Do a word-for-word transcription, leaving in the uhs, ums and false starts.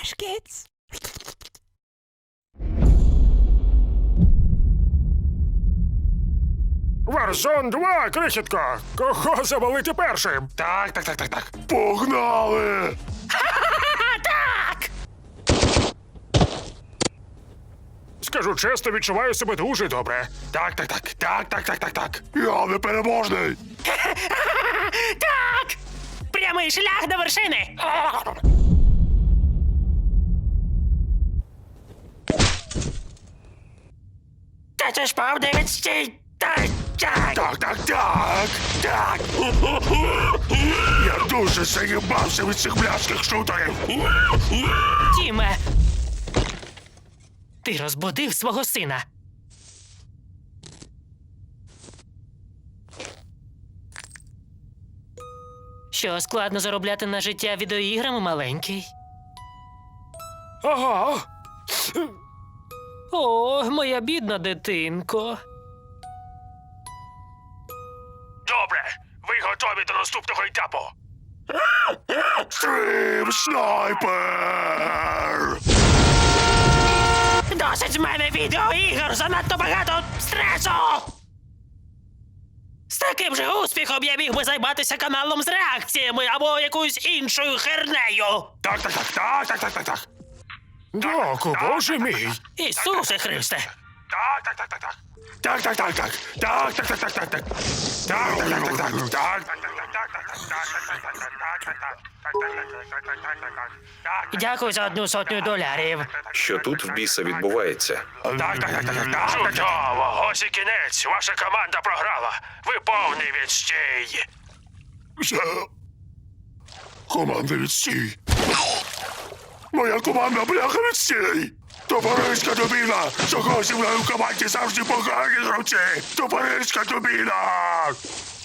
Baskets. Варзон два, крихітко! Кого завалити першим? Так, так, так, так, так. Погнали! Так! Скажу чесно, відчуваю себе дуже добре. Так, так, так, так, так, так, так, так. Я непереможний! Так! Прямий шлях до вершини! Та це ж пав дев'ять стій! Так, так! Так, так, так, так. Я дуже заїбався від цих бляшких шутерів. Тіме! Ти розбудив свого сина. Що, складно заробляти на життя відеоіграми, маленький? Ага. О, моя бідна дитинко. Добре, ви готові до наступного етапу? Стрім снайпер! Досить з мене відеоігр! Занадто багато стресу! З таким же успіхом я міг би займатися каналом з реакціями або якоюсь іншою хернею! Так, так, так, так, так, так, так, так. Доку, боже мій. Ісусе Христе! Так, так, так, так, так. Так, так, так, так. Так, так, так, так, так, так. Так, так, так, так, так. Так, Дякую за одну сотню долярів. Що тут в біса відбувається? так, так, так, так, так. Чудово! Ось і кінець. Ваша команда програла. Ви повний відстій. Що? Команда відстій. Моя команда бляха відстій. Топориська дубіна! Чого зі мною в команді завжди погані гравці? Топориська дубіна!